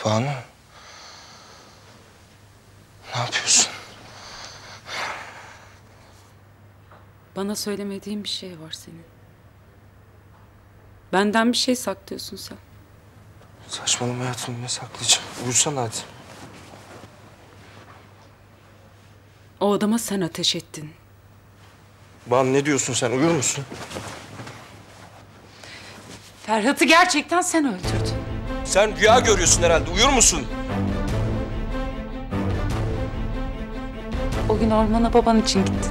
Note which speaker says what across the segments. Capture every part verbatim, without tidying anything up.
Speaker 1: Banu. Ne yapıyorsun?
Speaker 2: Bana söylemediğin bir şey var senin. Benden bir şey saklıyorsun sen.
Speaker 1: Saçmalama hayatım, ne saklayacağım? Uyursana hadi.
Speaker 2: O adama sen ateş ettin.
Speaker 1: Banu ne diyorsun sen? Uyur musun?
Speaker 2: Ferhat'ı gerçekten sen öldürdün.
Speaker 1: Sen rüya görüyorsun herhalde. Uyur musun?
Speaker 2: O gün ormana baban için gittin.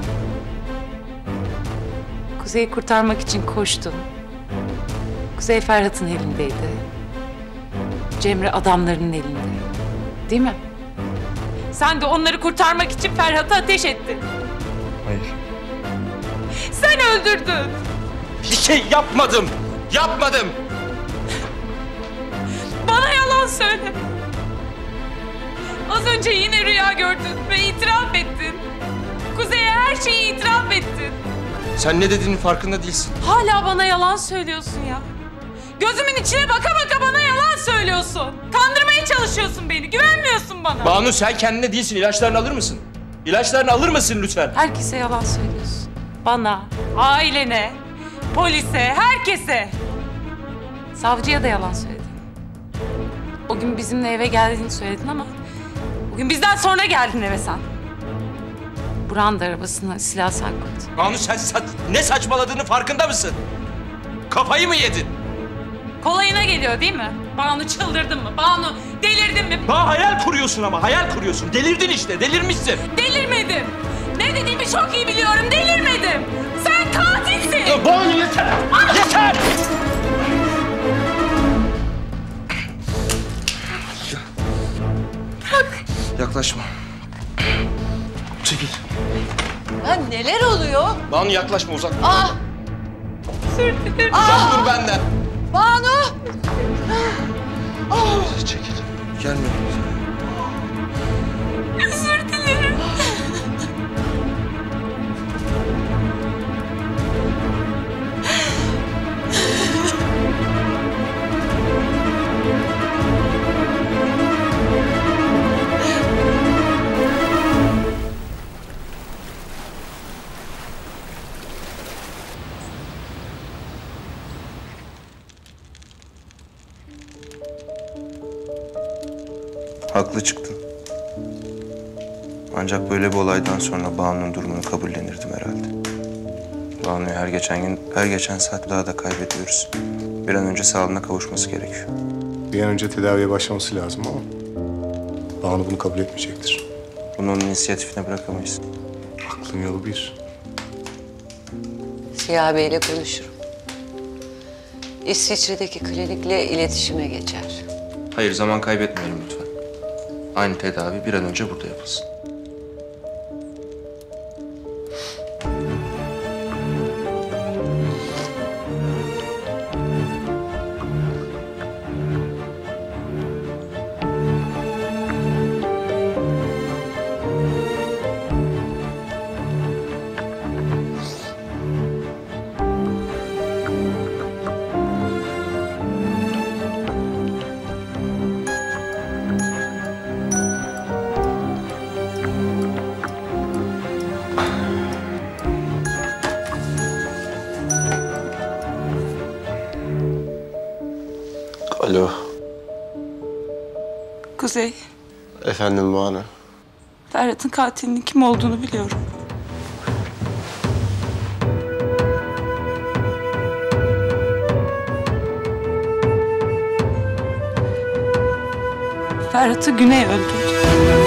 Speaker 2: Kuzey'i kurtarmak için koştun. Kuzey Ferhat'ın elindeydi. Cemre adamlarının elinde. Değil mi? Sen de onları kurtarmak için Ferhat'a ateş ettin.
Speaker 1: Hayır.
Speaker 2: Sen öldürdün.
Speaker 1: Bir şey yapmadım. Yapmadım.
Speaker 2: Bana yalan söyle. Az önce yine rüya gördün ve itiraf ettin. Kuzey'e her şeyi itiraf ettin.
Speaker 1: Sen ne dediğinin farkında değilsin.
Speaker 2: Hala bana yalan söylüyorsun ya. Gözümün içine baka baka bana yalan söylüyorsun. Kandırmaya çalışıyorsun beni. Güvenmiyorsun bana.
Speaker 1: Banu sen kendine değilsin. İlaçlarını alır mısın? İlaçlarını alır mısın lütfen?
Speaker 2: Herkese yalan söylüyorsun. Bana, ailene, polise, herkese. Savcıya da yalan söyledin. O gün bizimle eve geldiğini söyledin ama bugün bizden sonra geldin eve sen. Burak'ın da arabasına silah sen koydun.
Speaker 1: Banu sen sa ne saçmaladığını farkında mısın? Kafayı mı yedin?
Speaker 2: Kolayına geliyor değil mi? Banu çıldırdın mı? Banu delirdin mi?
Speaker 1: Daha hayal kuruyorsun ama hayal kuruyorsun. Delirdin işte, delirmişsin.
Speaker 2: Delirmedim. Ne dediğimi çok iyi biliyorum. Delirmedim. Sen katilsin.
Speaker 1: Ya Banu yeter. Ah! Yeter.
Speaker 2: Bak.
Speaker 1: Yaklaşma. Çekil.
Speaker 3: Ya neler oluyor?
Speaker 1: Banu yaklaşma, uzak dur.
Speaker 3: Ah!
Speaker 2: Özür dilerim.
Speaker 1: Uzak dur benden.
Speaker 3: Banu!
Speaker 1: Ah! Çekil. Gelme.
Speaker 2: Özür dilerim.
Speaker 1: Haklı çıktın. Ancak böyle bir olaydan sonra Banu'nun durumunu kabullenirdim herhalde. Banu'yu her geçen gün, her geçen saat daha da kaybediyoruz. Bir an önce sağlığına kavuşması gerekiyor.
Speaker 4: Bir an önce tedaviye başlaması lazım ama Banu bunu kabul etmeyecektir.
Speaker 1: Bunu onun inisiyatifine bırakamayız.
Speaker 4: Aklın yolu bir.
Speaker 3: Ziya Bey'le konuşurum. İsviçre'deki klinikle iletişime geçer.
Speaker 1: Hayır, zaman kaybetmeyelim lütfen. Aynı tedavi bir an önce burada yapılsın.
Speaker 5: Alo.
Speaker 2: Kuzey,
Speaker 5: Efendim Banu.
Speaker 2: Ferhat'ın katilinin kim olduğunu biliyorum. Ferhat'ı Güney öldürdü.